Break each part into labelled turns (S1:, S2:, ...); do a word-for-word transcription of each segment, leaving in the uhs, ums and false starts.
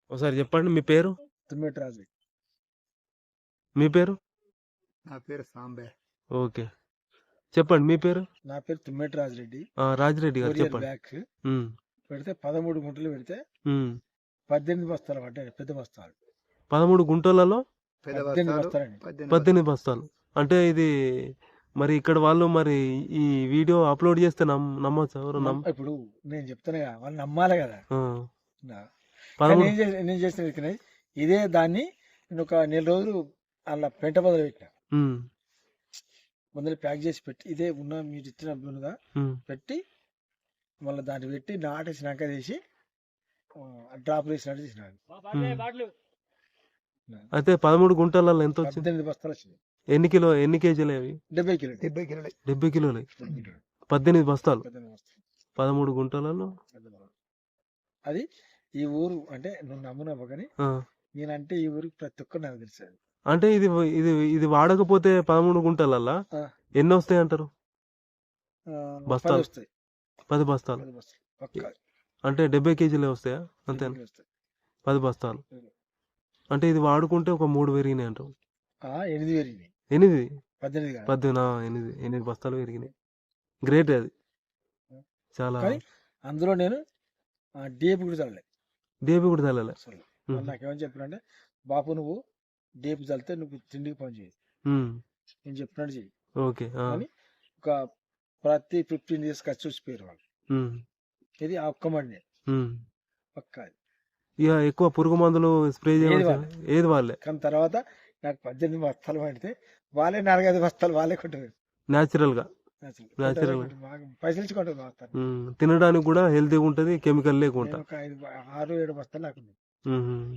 S1: ఒకసారి చెప్పండి మీ పేరు?
S2: తుమ్మెటి రాజు.
S1: మీ పేరు?
S2: నా పేరు సాంబే.
S1: ఓకే. చెప్పండి మీ పేరు?
S2: నా పేరు తుమ్మెటి రాజిరెడ్డి.
S1: ఆ! రాజిరెడ్డి గారు
S2: ఫోర్ ఇయర్
S1: చెప్పండి.
S2: బ్యాక్
S1: హ్మ్.
S2: పెడితే పదమూడు గుంటలు పెడితే
S1: హ్మ్.
S2: పద్దెనిమిది బస్తాలు పడ్డాయి. పెద్ద బస్తాలు.
S1: పదమూడు గుంటలలో
S2: పద్దెనిమిది బస్తాలండి.
S1: పద్దెనిమిది బస్తాలు. అంటే ఇది మరి ఇక్కడ వాళ్ళు మరి ఈ వీడియో అప్‌లోడ్ చేస్తే నమ్ నమ్మొచ్చా? ఎవరు
S2: నమ్
S1: నమ్
S2: ఇప్పుడు నేను చెప్తానుగా వాళ్ళు నమ్మాలి కదా.
S1: ఆ!
S2: నా- కానీ
S1: పదమూడు
S2: నేను చేసిన నేను చేసిన విత్తనం ఇదే. దాన్ని నేను ఒక నెల రోజులు అలా పెంట బదులు పెట్టిన.
S1: హ్మ్.
S2: ముందర ప్యాక్ చేసి పెట్టి ఇదే ఉన్న మీరు ఇచ్చిన బునుగా
S1: హ్మ్.
S2: పెట్టి మళ్ళీ దాన్ని పెట్టి నాటేసినాక తీసి డ్రాప్ వేసినట్టు తీసినాడు.
S1: హ్మ్. అయితే పదమూడు గుంటలలో ఎంత వచ్చింది?
S2: పద్దెనిమిది బస్తాలు వచ్చింది.
S1: ఎన్ని కిలో ఎన్ని కేజీలు అవి?
S2: డెబ్బై కిలో డెబ్బై కిలోలు
S1: డెబ్బై కిలోలు. పద్దెనిమిది బస్తాలు.
S2: పద్దెనిమిది బస్తాలు.
S1: పదమూడు గుంటలలో
S2: అది ఈ ఊరు అంటే నువ్వు నమ్మునవ్వ కానీ
S1: ఆ!
S2: నేనంటే ఈ ఊరికి ప్రతి ఒక్కరు నాకు తెలుసు. అది
S1: అంటే ఇది ఇది ఇది వాడకపోతే పదమూడు గుంటలల్లా
S2: ఆ,
S1: ఎన్ని వస్తాయి అంటారు?
S2: ఆ, పది
S1: బస్తాలు
S2: వస్తాయి.
S1: పది బస్తాలు.
S2: పది బస్తాలు పక్కా
S1: అంటే డెబ్బై కేజీలే వస్తాయా? అంతేనా?
S2: డెబ్బై వస్తాయి.
S1: పది బస్తాలు.
S2: ఉం.
S1: అంటే ఇది వాడుకుంటే ఒక మూడు పెరిగినాయి అంటారు.
S2: ఆ, ఎనిమిది పెరిగినాయి.
S1: ఎనిమిది
S2: పద్దెనిమిది కాదు.
S1: పద్దెనిమిది ఆ, ఎనిమిది ఎనిమిది బస్తాలు పెరిగినాయి. గ్రేట్ అది. చాలా
S2: కానీ అందులో నేను డేపు కూడా చల్లలే.
S1: డేబి కూడా తల్లలే.
S2: అసలు వాళ్ళు నాకేమని చెప్పారంటే బాపు నువ్వు డేపు చల్లితే నువ్వు తిండికి పని చేయి, నేను చెప్పినట్టు చెయ్యి.
S1: ఓకే. ఆ.
S2: కానీ ఒక ప్రతి ఫిఫ్టీన్ డేస్ ఖర్చు వచ్చిపోయారు వాళ్ళు.
S1: ఉమ్,
S2: ఇది ఆ ఒక్క మడినే
S1: ఉమ్.
S2: పక్కా.
S1: ఇక ఎక్కువ పురుగు మందులు స్ప్రే
S2: ఏది
S1: చేయవలసిన
S2: వాళ్ళే.
S1: ఏది వాళ్ళే
S2: కానీ తర్వాత నాకు పద్దెనిమిది బస్తాలు పడితే వాళ్ళే నాలుగైదు బస్తాలు వాళ్ళే కొంటారు.
S1: న్యాచురల్ గా.
S2: అసలు
S1: Natural.
S2: కొంటారు, బాగా పైసలు ఇచ్చి కొంటారు బస్తాలు.
S1: ఉమ్, తినడానికి కూడా హెల్తీగా ఉంటది, కెమికల్ లేకుండా.
S2: నేను ఒక ఐదు ఆరు ఏడు బస్తాలు నాకున్నాయి.
S1: ఉమ్.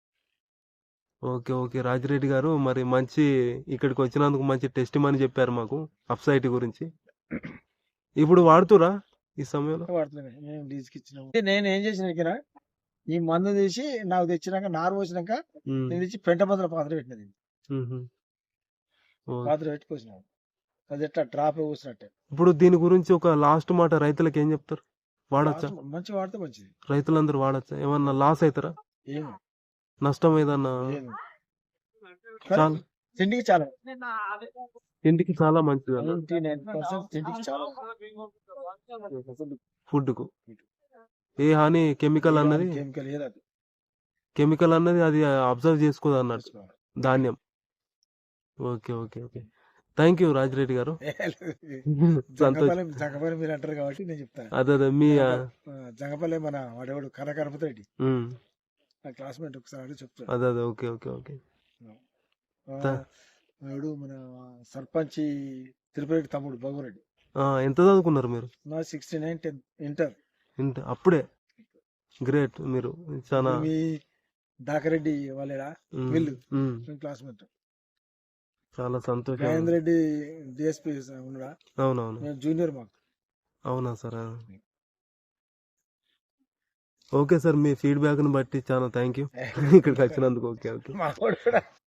S1: ఓకే ఓకే రాజిరెడ్డి గారు, మరి మంచి ఇక్కడికి వచ్చినందుకు మంచి టెస్ట్ అని చెప్పారు మాకు అప్సైట్ గురించి. ఇప్పుడు వాడుతురా ఈ సమయంలో?
S2: వాడుతున్నాయి. నేను లీజుకి ఇచ్చిన నేను ఏం చేసిన ఇక్కడ ఈ మందు తీసి నాకు తెచ్చినాక నారు పోసినాక
S1: ఉమ్,
S2: నేను తెచ్చి పెంట బదుల పాత్ర పెట్టినది.
S1: ఉహు. ఓ.
S2: పాత్ర పెట్టి పోసినాను. అది ఎట్లా డ్రాప్ పోసినట్టే.
S1: ఇప్పుడు దీని గురించి ఒక లాస్ట్ మాట రైతులకు ఏం చెప్తారు? వాడచ్చా?
S2: మంచి వాడితే మంచిది.
S1: రైతులందరూ వాడచ్చా? ఏమన్నా లాస్ అవుతారా?
S2: ఏమి
S1: నష్టం ఏదన్నా?
S2: ఏమి
S1: చాలా
S2: తిండికి చాలా
S1: ఇంటికి చాలా మంచిది అన్న
S2: నైన్టీ నైన్ పర్సెంట్ తిండికి చాలా
S1: ఫుడ్ కు. ఏ హాని కెమికల్ అన్నది
S2: కెమికల్ ఏది అది
S1: కెమికల్ అన్నది అది అబ్జర్వ్ చేసుకోదు అన్నట్టు ధాన్యం. Okay okay okay thank you Rajireddy గారు. సంతోష్.
S2: జంగపల్లి జంగపల్లి మీరు అంటారు కాబట్టి నేను చెప్తాను.
S1: అదే అదే మీ ఆ,
S2: జంగపల్లి మన వాడేవాడు కనకరపతి
S1: ఉమ్,
S2: నా క్లాస్మేట్ ఒకసారి అడిగి చెప్తాడు.
S1: అదే అదే ఓకే ఓకే ఓకే
S2: వాడు మన సర్పంచ్ తిరుపతి తమ్ముడు భగవరెడ్డి.
S1: ఆ, ఎంత చదువుకున్నారు మీరు?
S2: నా సిక్స్టీ నైన్ టెన్త్ ఇంటర్.
S1: ఇంత అప్పుడే గ్రేట్. మీరు చాలా
S2: మీ దాకరెడ్డి వాళ్ళేడా
S1: ఉమ్,
S2: వీళ్ళు
S1: ఉమ్,
S2: క్లాస్మేట్.
S1: చాలా సంతోషం.
S2: మహేందర్ రెడ్డి డిఎస్పీ ఉన్నాడా,
S1: అవునవును.
S2: నేను జూనియర్ మాకు.
S1: అవునా సార్? ఓకే సార్, మీ ఫీడ్బ్యాక్ని బట్టి చాలా థ్యాంక్ యూ ఇక్కడికి వచ్చినందుకు. ఓకే ఓకే
S2: మా వాడు కూడా